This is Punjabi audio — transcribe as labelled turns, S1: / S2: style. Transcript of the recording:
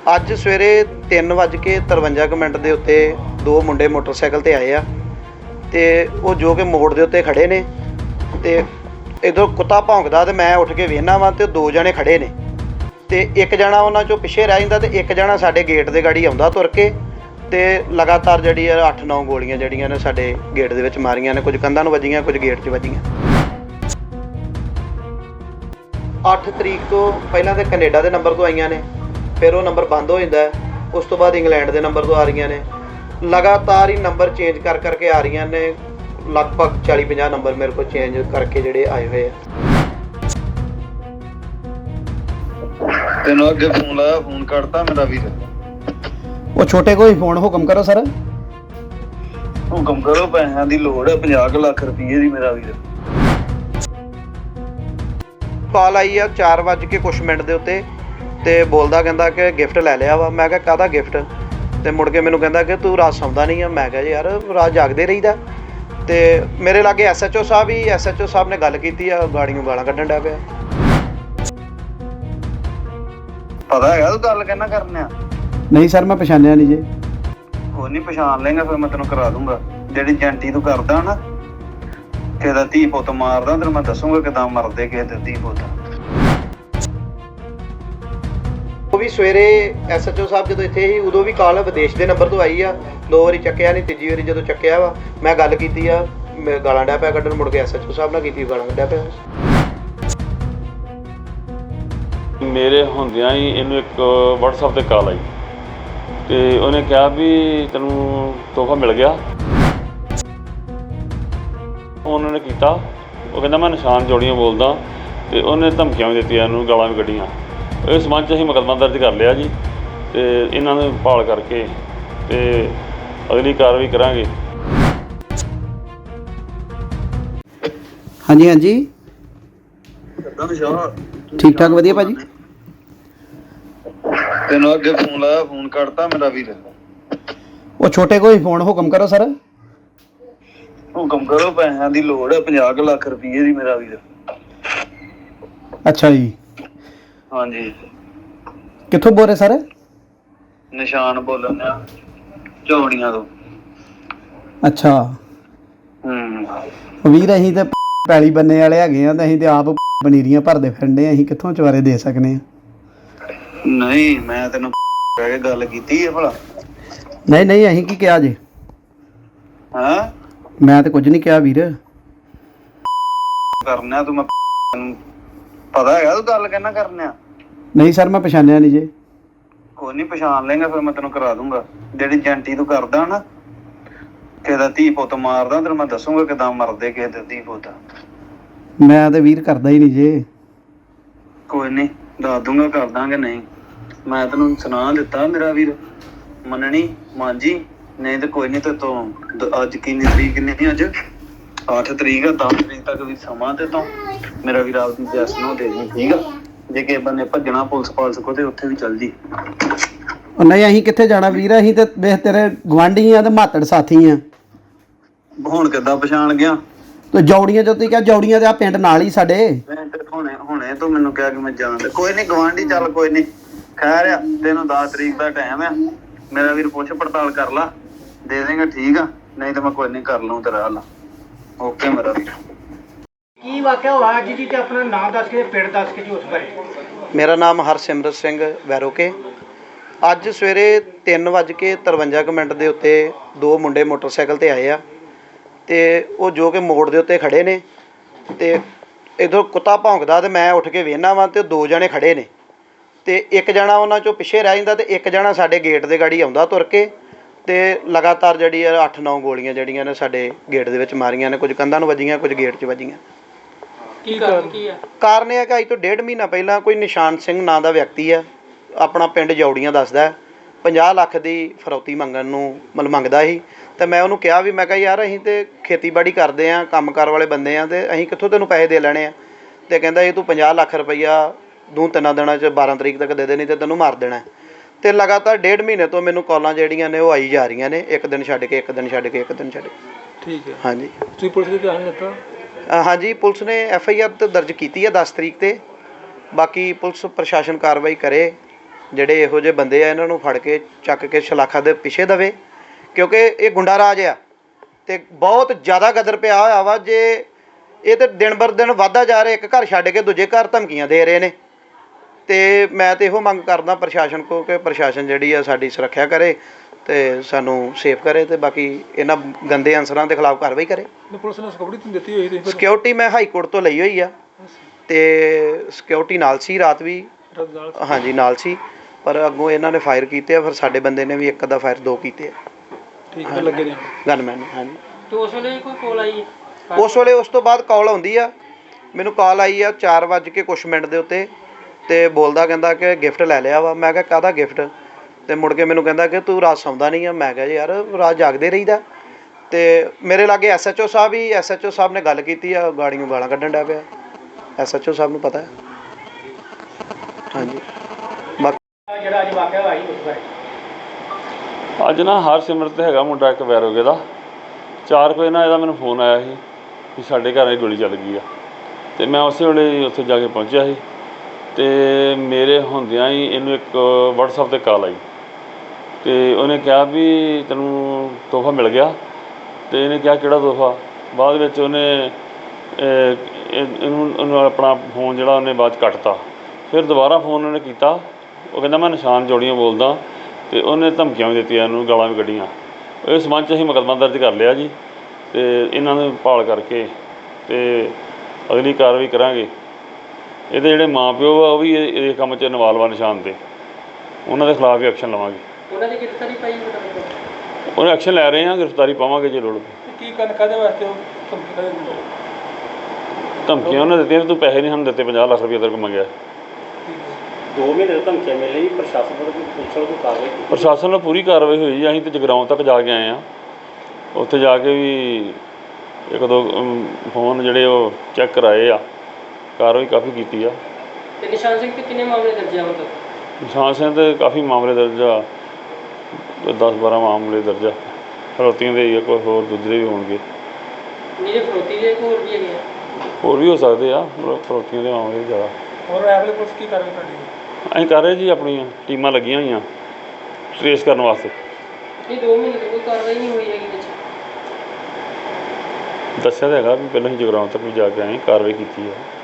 S1: ਅੱਜ ਸਵੇਰੇ 3:53 ਦੇ ਉੱਤੇ ਦੋ ਮੁੰਡੇ ਮੋਟਰਸਾਈਕਲ ਤੇ ਆਏ ਆ ਤੇ ਉਹ ਜੋ ਕਿ ਮੋੜ ਦੇ ਉੱਤੇ ਖੜੇ ਨੇ ਤੇ ਇਧਰੋਂ ਕੁੱਤਾ ਭੌਂਕਦਾ ਤੇ ਮੈਂ ਉੱਠ ਕੇ ਵੇਖਣਾ ਵਾ ਤੇ ਦੋ ਜਣੇ ਖੜੇ ਨੇ ਤੇ ਇੱਕ ਜਣਾ ਉਹਨਾਂ ਚੋਂ ਪਿੱਛੇ ਰਹਿ ਜਾਂਦਾ ਤੇ ਇੱਕ ਜਣਾ ਸਾਡੇ ਗੇਟ ਦੇ ਗਾੜੀ ਆਉਂਦਾ ਤੁਰ ਕੇ ਤੇ ਲਗਾਤਾਰ ਜਿਹੜੀ 8-9 ਗੋਲੀਆਂ ਜਿਹੜੀਆਂ ਨੇ ਸਾਡੇ ਗੇਟ ਦੇ ਵਿੱਚ ਮਾਰੀਆਂ ਨੇ। ਕੁਝ ਕੰਧਾਂ ਨੂੰ ਵੱਜੀਆਂ, ਕੁਝ ਗੇਟ 'ਚ ਵੱਜੀਆਂ। 8 ਤਰੀਕ ਤੋਂ ਪਹਿਲਾਂ ਤਾਂ ਕੈਨੇਡਾ ਦੇ ਨੰਬਰ ਤੋਂ ਆਈਆਂ ਨੇ, ਫਿਰ ਉਹ ਨੰਬਰ ਬੰਦ ਹੋ ਜਾਂਦਾ। ਉਸ ਤੋਂ ਬਾਅਦ ਇੰਗਲੈਂਡ ਦੇ ਨੰਬਰ ਤੋਂ ਆ ਰਹੀਆਂ ਨੇ। ਲਗਾਤਾਰ ਹੀ ਨੰਬਰ ਚੇਂਜ ਕਰ ਕਰਕੇ ਆ ਰਹੀਆਂ ਨੇ। ਲਗਭਗ 40-50 ਨੰਬਰ ਮੇਰੇ ਕੋਲ ਚੇਂਜ ਕਰਕੇ ਜਿਹੜੇ ਆਏ ਹੋਏ ਆ।
S2: ਤੈਨੂੰ ਅੱਗੇ ਫੋਨ ਲਾਇਆ, ਫੋਨ ਕੱਟਤਾ ਮੇਰਾ ਵੀਰ।
S1: ਉਹ ਛੋਟੇ ਕੋਈ ਫੋਨ ਹੁਕਮ ਕਰੋ ਸਰ।
S2: ਹੁਕਮ ਕਰੋ, ਪੈਸਿਆਂ ਦੀ ਲੋੜ ਹੈ 50 ਲੱਖ ਰੁਪਏ ਦੀ ਮੇਰਾ ਵੀਰ।
S1: ਕਾਲ ਆਈ ਆ 4:00 ਦੇ ਉੱਤੇ ਤੇ ਬੋਲਦਾ ਕਹਿੰਦਾ ਕਿ ਗਿਫਟ ਲੈ ਲਿਆ ਵਾ। ਮੈਂ ਕਿਹਾ ਕਾਹਦਾ ਗਿਫਟ? ਤੇ ਮੁੜ ਕੇ ਮੈਨੂੰ ਕਹਿੰਦਾ ਕਿ ਤੂੰ ਰਾਤ ਸੌਂਦਾ ਨਹੀਂ ਆ। ਮੈਂ ਕਿਹਾ ਯਾਰ ਰਾਤ ਜਾਗਦੇ ਰਹੀਦਾ। ਤੇ ਮੇਰੇ ਲਾਗੇ SHO ਸਾਹਿਬ ਨੇ ਗੱਲ ਕੀਤੀ ਆ, ਗਾੜੀਆਂ ਗਾਲਾਂ ਕੱਢਣ ਡਿਆ ਪਿਆ।
S2: ਪਤਾ ਹੈਗਾ ਤੂੰ ਗੱਲ ਕਹਿਣਾ ਕਰਨੇ ਆ?
S1: ਨਹੀਂ ਸਰ, ਮੈਂ ਪਛਾਣਿਆ ਨਹੀਂ ਜੇ।
S2: ਉਹ ਨਹੀਂ ਪਛਾਣ ਲੇਗਾ ਫਿਰ ਮੈਂ ਤੈਨੂੰ ਕਰਾ ਦੂੰਗਾ। ਜਿਹੜੀ ਜੈਂਟੀ ਤੂੰ ਕਰਦਾ ਨਾ, ਕਿਸੇ ਦਾ ਧੀ ਪੁੱਤ ਮਾਰਦਾ, ਤੈਨੂੰ ਮੈਂ ਦੱਸੂਗਾ ਕਿਦਾਂ ਮਰਦੇ ਕਿਸੇ ਦੇ ਧੀ ਪੁੱਤ।
S1: ਉਹ ਵੀ ਸਵੇਰੇ SHO ਸਾਹਿਬ ਜਦੋਂ ਇੱਥੇ ਸੀ ਉਦੋਂ ਵੀ ਕਾਲ ਵਿਦੇਸ਼ ਦੇ ਨੰਬਰ ਤੋਂ ਆਈ ਆ। 2 ਵਾਰੀ ਚੱਕਿਆ ਨਹੀਂ, ਤੀਜੀ ਵਾਰੀ ਜਦੋਂ ਚੱਕਿਆ ਵਾ ਮੈਂ ਗੱਲ ਕੀਤੀ ਆ, ਮੈਂ ਗਾਲਾਂ ਡਿਆ ਪਿਆ ਕੱਢਣ। ਮੁੜ ਕੇ SHO ਸਾਹਿਬ ਨਾਲ ਕੀਤੀ, ਗਾਲਾਂ ਕੱਢਿਆ ਪਿਆ।
S3: ਮੇਰੇ ਹੁੰਦਿਆਂ ਹੀ ਇਹਨੂੰ ਇੱਕ WhatsApp ਤੇ ਕਾਲ ਆਈ ਤੇ ਉਹਨੇ ਕਿਹਾ ਵੀ ਤੈਨੂੰ ਤੋਹਫਾ ਮਿਲ ਗਿਆ। ਉਹਨਾਂ ਨੇ ਕੀਤਾ, ਉਹ ਕਹਿੰਦਾ ਮੈਂ ਨਿਸ਼ਾਨ ਜੋੜੀਆਂ ਬੋਲਦਾ ਤੇ ਉਹਨੇ ਧਮਕੀਆਂ ਵੀ ਦਿੱਤੀਆਂ, ਇਹਨੂੰ ਗਾਲਾਂ ਵੀ ਕੱਢੀਆਂ। ਇਸ ਸੰਬੰਧ 'ਚ ਅਸੀਂ ਮੁਕੱਦਮਾ ਦਰਜ ਕਰ ਲਿਆ ਜੀ ਤੇ ਇਹਨਾਂ ਨੂੰ ਭਾਲ ਕਰਕੇ ਤੇ ਅਗਲੀ ਕਾਰਵਾਈ ਕਰਾਂਗੇ।
S1: ਹਾਂਜੀ ਹਾਂਜੀ, ਠੀਕ ਠਾਕ, ਵਧੀਆ ਭਾਜੀ।
S2: ਤੈਨੂੰ ਅੱਗੇ ਫੋਨ ਲਾਇਆ, ਫੋਨ ਕੱਟਤਾ ਮੇਰਾ ਵੀਰ।
S1: ਉਹ ਛੋਟੇ ਕੋਈ ਫੋਨ ਹੁਕਮ ਕਰੋ ਸਰ।
S2: ਹੁਕਮ ਕਰੋ, ਪੈਸਿਆਂ ਦੀ ਲੋੜ ਹੈ 50 ਲੱਖ ਰੁਪਏ ਦੀ ਮੇਰਾ ਵੀਰ।
S1: ਅੱਛਾ ਜੀ,
S2: ਹਾਂਜੀ।
S1: ਕਿੱਥੋਂ ਬੋਲ ਰਹੇ ਸਰ?
S2: ਨਿਸ਼ਾਨ ਬੋਲਣ ਆ, ਝੋੜੀਆਂ ਤੋਂ।
S1: ਅੱਛਾ ਵੀਰ, ਅਸੀਂ ਤੇ ਪੈਲੀ ਬੰਨੇ ਵਾਲੇ ਹੈਗੇ ਆ ਤੇ ਅਸੀਂ ਤੇ ਆਪ ਪਨੀਰੀਆਂ ਭਰਦੇ ਫਿਰਦੇ ਆ। ਅਸੀਂ ਕਿੱਥੋਂ ਚਵਾਰੇ ਦੇ ਸਕਨੇ ਆ?
S2: ਨਹੀਂ, ਮੈਂ ਤੈਨੂੰ ਕਹਿ ਕੇ ਗੱਲ ਕੀਤੀ ਹੈ ਭਲਾ?
S1: ਨਹੀਂ ਨਹੀਂ, ਅਸੀਂ ਕੀ ਕਿਹਾ ਜੇ?
S2: ਹਾਂ,
S1: ਮੈਂ ਤੇ ਕੁਝ ਨਹੀਂ ਕਿਹਾ ਵੀਰ।
S2: ਕਰਨਾ ਤੂੰ, ਮੈਂ ਪਤਾ ਹੈਗਾ ਤੂੰ ਗੱਲ ਕਹਿਣਾ ਕਰਨੇ ਆ?
S1: ਨਹੀਂ ਸਰ, ਮੈਂ ਪਛਾਣਿਆ ਨਹੀਂ ਜੇ।
S2: ਕੋਈ ਨਹੀਂ, ਪਛਾਣ ਲੇਗਾ ਫਿਰ ਮੈਂ ਤੈਨੂੰ ਕਰਾ ਦੂੰਗਾ। ਜਿਹੜੀ ਜੈਂਟੀ ਤੂੰ ਕਰਦਾ ਨਾ, ਕਿਸੇ ਦਾ ਧੀ ਪੁੱਤ ਮਾਰਦਾ, ਤੈਨੂੰ ਮੈਂ ਦੱਸੂਗਾ ਕਿਦਾਂ ਮਰਦੇ ਕਿਸੇ ਦੇ ਧੀ ਪੁੱਤ।
S1: ਮੈਂ ਤੇ ਵੀਰ ਕਰਦਾ ਹੀ ਨਹੀਂ ਜੇ।
S2: ਕੋਈ ਨਹੀਂ, ਦੱਸ ਦੂੰਗਾ ਕਰ ਦਾਂਗੇ। ਨਹੀਂ, ਮੈਂ ਤੈਨੂੰ ਸੁਣਾ ਦਿੱਤਾ ਮੇਰਾ ਵੀਰ, ਮੰਨਣੀ ਮਾਂਜੀ। ਨਹੀਂ ਤੇ ਕੋਈ ਨਹੀਂ, ਤੇ ਤੂੰ ਅੱਜ ਕਿੰਨੀ ਤਰੀਕ ਨਹੀਂ, ਅੱਜ 8 ਤਰੀਕ ਆ, 10 ਤਰੀਕ ਤੱਕ ਵੀ ਸਮਾਂ ਤੇ ਤੂੰ ਮੇਰਾ ਵੀਰ ਆਪਦੀ ਜੈਸ ਨੂੰ ਦੇ ਦੀ, ਠੀਕ ਆ? ਜੇ ਕਿਸੇ ਬੰਨੇ ਭੱਜਣਾ ਪੁਲਿਸ ਪਾਲਸ ਕੋ ਤੇ ਉੱਥੇ ਵੀ ਚੱਲ ਜੀ।
S1: ਨਹੀਂ, ਅਸੀਂ ਕਿੱਥੇ ਜਾਣਾ ਵੀਰ? ਅਸੀਂ ਤੇ ਵੇਖ ਤੇਰੇ ਗੁਆਂਢੀ ਆ ਤੇ ਮਾਤੜ ਸਾਥੀ ਆ।
S2: ਹੁਣ ਕਿੱਦਾਂ ਪਛਾਣ ਗਿਆ?
S1: ਤੇ ਜੌੜੀਆਂ ਜੋ ਤੁਸੀਂ ਕਿਹਾ, ਜੌੜੀਆਂ ਤੇ ਆ ਪਿੰਡ ਨਾਲ ਹੀ ਸਾਡੇ।
S2: ਹੁਣੇ ਤੂੰ ਮੈਨੂੰ ਕਿਹਾ ਕਿ ਮੈਂ ਜਾਣਦਾ। ਕੋਈ ਨਹੀਂ ਗਵਾਂਢੀ, ਚੱਲ ਕੋਈ ਨਹੀਂ, ਖੈਰ ਆ। ਤੈਨੂੰ 10 ਤਰੀਕ ਦਾ ਟਾਈਮ ਆ ਮੇਰਾ ਵੀਰ, ਪੁੱਛ ਪੜਤਾਲ ਕਰ ਲਾ, ਦੇ ਦੇਗਾ, ਠੀਕ ਆ? ਨਹੀਂ ਤਾਂ ਮੈਂ ਕੋਈ ਨਹੀਂ ਕਰ ਲਊਂ ਤੇਰਾ ਹੱਲ। ਓਕੇ ਮੇਰਾ ਵੀਰ।
S4: ਕੀ ਵਾਕਿਆ ਹੋਇਆ ਅੱਜ ਜੀ, ਤੇ ਆਪਣਾ ਨਾਮ ਦੱਸ ਕੇ, ਪਿੰਡ ਦੱਸ ਕੇ ਜੀ ਉਸ ਬਾਰੇ।
S1: ਮੇਰਾ ਨਾਮ ਹਰਸਿਮਰਤ ਸਿੰਘ ਵੈਰੋਕੇ। ਅੱਜ ਸਵੇਰੇ 3:53 ਦੇ ਉੱਤੇ ਦੋ ਮੁੰਡੇ ਮੋਟਰਸਾਈਕਲ ਤੇ ਆਏ ਆ ਤੇ ਉਹ ਜੋ ਕਿ ਮੋੜ ਦੇ ਉੱਤੇ ਖੜੇ ਨੇ ਤੇ ਇੱਧਰੋਂ ਕੁੱਤਾ ਭੌਂਕਦਾ ਤੇ ਮੈਂ ਉੱਠ ਕੇ ਵੇਖਣਾ ਵਾ ਤੇ ਦੋ ਜਣੇ ਖੜੇ ਨੇ ਤੇ ਇੱਕ ਜਣਾ ਉਹਨਾਂ ਚੋਂ ਪਿੱਛੇ ਰਹਿ ਜਾਂਦਾ ਤੇ ਇੱਕ ਜਣਾ ਸਾਡੇ ਗੇਟ ਦੇ ਗਾੜੀ ਆਉਂਦਾ ਤੁਰ ਕੇ ਤੇ ਲਗਾਤਾਰ ਜਿਹੜੀ 8-9 ਗੋਲੀਆਂ ਜਿਹੜੀਆਂ ਨੇ ਸਾਡੇ ਗੇਟ ਦੇ ਵਿੱਚ ਮਾਰੀਆਂ ਨੇ। ਕੁਝ ਕੰਧਾਂ ਨੂੰ ਵੱਜੀਆਂ, ਕੁਝ ਗੇਟ 'ਚ ਵੱਜੀਆਂ।
S4: ਕੀ ਕਾਰਨ ਕੀ ਹੈ?
S1: ਕਾਰਨ ਇਹ ਹੈ ਕਿ ਅੱਜ ਤੋਂ 1.5 ਮਹੀਨਾ ਪਹਿਲਾਂ ਕੋਈ ਨਿਸ਼ਾਨ ਸਿੰਘ ਨਾਂ ਦਾ ਵਿਅਕਤੀ ਆ, ਆਪਣਾ ਪਿੰਡ ਜੌੜੀਆਂ ਦੱਸਦਾ, 50 ਲੱਖ ਦੀ ਫਰੌਤੀ ਮੰਗਦਾ ਸੀ। ਤੇ ਮੈਂ ਉਹਨੂੰ ਕਿਹਾ ਵੀ, ਮੈਂ ਕਿਹਾ ਯਾਰ ਅਸੀਂ ਤੇ ਖੇਤੀਬਾੜੀ ਕਰਦੇ ਆ, ਕੰਮਕਾਰ ਵਾਲੇ ਬੰਦੇ ਆ, ਤੇ ਅਸੀਂ ਕਿੱਥੋਂ ਤੈਨੂੰ ਪੈਸੇ ਦੇ ਲੈਣੇ ਆ? ਤੇ ਕਹਿੰਦਾ ਇਹ ਤੂੰ 50 ਲੱਖ ਰੁਪਈਆ 2-3 ਦਿਨਾਂ 'ਚ 12 ਤਰੀਕ ਤੱਕ ਦੇ ਦੇ, ਨਹੀਂ ਤੇ ਤੈਨੂੰ ਮਾਰ ਦੇਣਾ। ਤੇ ਲਗਾਤਾਰ 1.5 ਮਹੀਨੇ ਤੋਂ ਮੈਨੂੰ ਕਾਲਾਂ ਜਿਹੜੀਆਂ ਨੇ ਉਹ ਆਈ ਜਾ ਰਹੀਆਂ ਨੇ, ਇੱਕ ਦਿਨ ਛੱਡ ਕੇ, ਇੱਕ ਦਿਨ ਛੱਡ ਕੇ, ਇੱਕ ਦਿਨ ਛੱਡ ਕੇ।
S4: ਠੀਕ ਹੈ।
S1: ਹਾਂਜੀ,
S4: ਤੁਸੀਂ ਪੁਲਿਸ ਦੇ ਧਿਆਨ ਦਿੱਤਾ?
S1: ਹਾਂਜੀ, ਪੁਲਿਸ ਨੇ FIR ਤਾਂ ਦਰਜ ਕੀਤੀ ਹੈ 10 ਤਰੀਕ 'ਤੇ। ਬਾਕੀ ਪੁਲਿਸ ਪ੍ਰਸ਼ਾਸਨ ਕਾਰਵਾਈ ਕਰੇ ਜਿਹੜੇ ਇਹੋ ਜਿਹੇ ਬੰਦੇ ਆ ਇਹਨਾਂ ਨੂੰ ਫੜ ਕੇ ਚੱਕ ਕੇ ਸ਼ਲਾਖਾ ਦੇ ਪਿੱਛੇ ਦਵੇ, ਕਿਉਂਕਿ ਇਹ ਗੁੰਡਾ ਰਾਜ ਆ ਤੇ ਬਹੁਤ ਜ਼ਿਆਦਾ ਗਦਰ ਪਿਆ ਹੋਇਆ ਵਾ। ਜੇ ਇਹ ਤੇ ਦਿਨ ਬਰ ਦਿਨ ਵੱਧਦਾ ਜਾ ਰਿਹਾ, ਇੱਕ ਘਰ ਛੱਡ ਕੇ ਦੂਜੇ ਘਰ ਧਮਕੀਆਂ ਦੇ ਰਹੇ ਨੇ। ਤੇ ਮੈਂ ਤੇ ਇਹੋ ਮੰਗ ਕਰਦਾ ਪ੍ਰਸ਼ਾਸਨ ਕੋ ਕਿ ਪ੍ਰਸ਼ਾਸਨ ਜਿਹੜੀ ਆ ਸਾਡੀ ਸੁਰੱਖਿਆ ਕਰੇ ਤੇ ਸਾਨੂੰ ਸੇਫ ਕਰੇ ਤੇ ਬਾਕੀ ਇਹਨਾਂ ਗੰਦੇ ਅਨਸਰਾਂ ਦੇ ਖਿਲਾਫ ਕਾਰਵਾਈ ਕਰੇ।
S5: ਪੁਲਿਸ ਨੇ ਸਿਕਿਉਰਿਟੀ ਦਿੱਤੀ ਹੋਈ ਸੀ
S1: ਸਿਕਿਉਰਿਟੀ ਮੈਂ ਹਾਈ ਕੋਰਟ ਤੋਂ ਲਈ ਹੋਈ ਆ ਤੇ ਸਿਕਿਉਰਿਟੀ ਨਾਲ ਸੀ, ਰਾਤ ਵੀ ਹਾਂਜੀ ਨਾਲ ਸੀ, ਪਰ ਅੱਗੋਂ ਇਹਨਾਂ ਨੇ ਫਾਇਰ ਕੀਤੇ ਆ। ਫਿਰ ਸਾਡੇ ਬੰਦੇ ਨੇ ਵੀ ਇੱਕ ਦਾ ਫਾਇਰ 2 ਕੀਤੇ ਆ।
S5: ਠੀਕ ਹੈ, ਲੱਗੇ ਨੇ
S1: ਗਨਮੈਨ ਨੇ। ਹਾਂਜੀ
S4: ਤੇ ਉਸ ਵੇਲੇ ਕੋਈ ਕੋਲ ਆਈ
S1: ਉਸ ਵੇਲੇ ਉਸ ਤੋਂ ਬਾਅਦ ਕਾਲ ਆਉਂਦੀ ਆ, ਮੈਨੂੰ ਕਾਲ ਆਈ ਆ 4 ਵੱਜ ਕੇ ਕੁਛ ਮਿੰਟ ਦੇ ਉੱਤੇ ਤੇ ਬੋਲਦਾ ਕਹਿੰਦਾ ਕਿ ਗਿਫਟ ਲੈ ਲਿਆ ਵਾ। ਮੈਂ ਕਿਹਾ ਕਾਹਦਾ ਗਿਫਟ? ਤੇ ਮੁੜ ਕੇ ਮੈਨੂੰ ਕਹਿੰਦਾ ਕਿ ਤੂੰ ਰਾਤ ਸੌਂਦਾ ਨਹੀਂ ਆ। ਮੈਂ ਕਿਹਾ ਯਾਰ ਰਾਤ ਜਾਗਦੇ ਰਹੀਦਾ। ਤੇ ਮੇਰੇ ਲਾਗੇ ਐਸਐਚਓ ਸਾਹਿਬ ਹੀ, ਐਸਐਚਓ ਸਾਹਿਬ ਨੇ ਗੱਲ ਕੀਤੀ ਆ, ਗਾੜੀਆਂ ਗਾਲਾਂ ਕੱਢਣ ਡਿਆ ਪਿਆ। ਐਸਐਚਓ ਸਾਹਿਬ ਨੂੰ ਪਤਾ ਹੈ। ਹਾਂਜੀ ਬਾਕੀ
S4: ਜਿਹੜਾ ਅੱਜ ਵਾਕਿਆ ਹੋਇਆ ਸੀ ਉਸ ਬਾਰੇ
S3: ਅੱਜ ਨਾ ਹਰਸਿਮਰਤ ਹੈਗਾ ਮੁੰਡਾ ਇੱਕ ਵੈਰੋਗੇ ਦਾ, 4 ਵਜੇ ਨਾ ਇਹਦਾ ਮੈਨੂੰ ਫੋਨ ਆਇਆ ਸੀ ਕਿ ਸਾਡੇ ਘਰ ਇਹ ਗੋਲੀ ਚੱਲ ਗਈ ਆ। ਤੇ ਮੈਂ ਉਸੇ ਵੇਲੇ ਉੱਥੇ ਜਾ ਕੇ ਪਹੁੰਚਿਆ ਸੀ ਤੇ ਮੇਰੇ ਹੁੰਦਿਆਂ ਹੀ ਇਹਨੂੰ ਇੱਕ WhatsApp ਤੇ ਕਾਲ ਆਈ ਤੇ ਉਹਨੇ ਕਿਹਾ ਵੀ ਤੈਨੂੰ ਤੋਹਫਾ ਮਿਲ ਗਿਆ। ਤੇ ਇਹਨੇ ਕਿਹਾ ਕਿਹੜਾ ਤੋਹਫਾ? ਬਾਅਦ ਵਿੱਚ ਉਹਨੇ ਇਹਨੂੰ ਆਪਣਾ ਫੋਨ ਜਿਹੜਾ ਉਹਨੇ ਬਾਅਦ 'ਚ ਕੱਟਤਾ। ਫਿਰ ਦੁਬਾਰਾ ਫੋਨ ਉਹਨੇ ਕੀਤਾ, ਉਹ ਕਹਿੰਦਾ ਮੈਂ ਨਿਸ਼ਾਨ ਜੋੜੀਆਂ ਬੋਲਦਾ ਤੇ ਉਹਨੇ ਧਮਕੀਆਂ ਵੀ ਦਿੱਤੀਆਂ, ਇਹਨੂੰ ਗਾਲਾਂ ਵੀ ਕੱਢੀਆਂ। ਇਸ ਸੰਬੰਧ 'ਚ ਅਸੀਂ ਮੁਕੱਦਮਾ ਦਰਜ ਕਰ ਲਿਆ ਜੀ ਤੇ ਇਹਨਾਂ ਨੂੰ ਭਾਲ ਕਰਕੇ ਤੇ ਅਗਲੀ ਕਾਰਵਾਈ ਕਰਾਂਗੇ। ਇਹਦੇ ਜਿਹੜੇ ਮਾਂ ਪਿਓ ਆ ਉਹ ਵੀ ਇਹ ਕੰਮ 'ਚ ਇਨਵਾਲਵ ਆ ਨਿਸ਼ਾਨ ਤੇ, ਉਹਨਾਂ ਦੇ ਖਿਲਾਫ ਵੀ ਐਕਸ਼ਨ ਲਵਾਂਗੇ।
S4: ਉਹਨਾਂ ਦੀ ਗ੍ਰਿਫਤਾਰੀ ਪਾਈ
S3: ਉਹਨੇ ਐਕਸ਼ਨ ਲੈ ਰਹੇ ਹਾਂ, ਗ੍ਰਿਫਤਾਰੀ ਪਾਵਾਂਗੇ ਜੇ ਲੋੜ
S5: ਕੀ ਕਰਨ ਕਾਹਦੇ ਵਾਸਤੇ ਉਹ
S3: ਧਮਕੀਆਂ ਉਹਨੇ ਦਿੱਤੀਆਂ ਵੀ ਤੂੰ ਪੈਸੇ ਨਹੀਂ ਸਾਨੂੰ ਦਿੱਤੇ, 50 ਲੱਖ ਰੁਪਏ ਤੇਰੇ ਕੋਲ ਮੰਗਿਆ।
S4: 2 ਮਹੀਨੇ ਤੋਂ ਧਮਕੀਆਂ ਮਿਲ ਰਹੀ, ਪ੍ਰਸ਼ਾਸਨ ਵੱਲੋਂ ਪੁਲਿਸ ਵੱਲੋਂ ਕੋਈ ਕਾਰਵਾਈ
S3: ਪ੍ਰਸ਼ਾਸਨ ਨਾਲ ਪੂਰੀ ਕਾਰਵਾਈ ਹੋਈ ਜੀ। ਅਸੀਂ ਤਾਂ ਜਗਰਾਉਂ ਤੱਕ ਜਾ ਕੇ ਆਏ ਹਾਂ, ਉੱਥੇ ਜਾ ਕੇ ਵੀ 1-2 ਫੋਨ ਜਿਹੜੇ ਉਹ ਚੈੱਕ ਕਰਾਏ ਆ, ਕਾਰਵਾਈ ਕਾਫੀ ਕੀਤੀ ਆ।
S4: ਤੇ ਨਿਸ਼ਾਨ ਸਿੰਘ ਤੇ ਕਿੰਨੇ ਮਾਮਲੇ ਦਰਜ ਆ ਮਤਲਬ?
S3: ਨਿਸ਼ਾਨ ਸਿੰਘ ਤੇ ਕਾਫੀ ਮਾਮਲੇ ਦਰਜ ਆ, 10-12 ਮਾਮਲੇ ਦਰਜ ਆ। ਫਰੋਤੀਆਂ ਦੇ ਜਾਂ ਕੋਈ ਹੋਰ ਦੂਜੇ ਵੀ ਹੋਣਗੇ।
S4: ਜਿਹੜੇ ਫਰੋਤੀ ਦੇ ਹੋਰ ਵੀ ਹੈਗੇ ਆ?
S3: ਹੋਰ ਵੀ ਹੋ ਸਕਦੇ ਆ, ਫਰੋਤੀਆਂ ਦੇ ਮਾਮਲੇ ਜ਼ਿਆਦਾ।
S5: ਹੋਰ ਐਵਲੇ ਪੁਲਿਸ ਕੀ ਕਰ ਰਹੀ ਤੁਹਾਡੀ?
S3: ਅਸੀਂ ਕਰ ਰਹੇ ਜੀ, ਆਪਣੀਆਂ ਟੀਮਾਂ ਲੱਗੀਆਂ ਹੋਈਆਂ ਟਰੇਸ ਕਰਨ ਵਾਸਤੇ।
S4: ਇਹ 2 ਮਹੀਨੇ ਤੋਂ ਕੋਈ ਕਾਰਵਾਈ ਨਹੀਂ ਹੋਈ ਹੈਗੀ ਵਿੱਚ?
S3: ਦੱਸਿਆ ਤਾਂ ਹੈਗਾ ਵੀ ਪਹਿਲਾਂ ਅਸੀਂ ਜਗਰਾਉਂ ਤੱਕ ਵੀ ਜਾ ਕੇ ਆਏ, ਕਾਰਵਾਈ ਕੀਤੀ ਆ।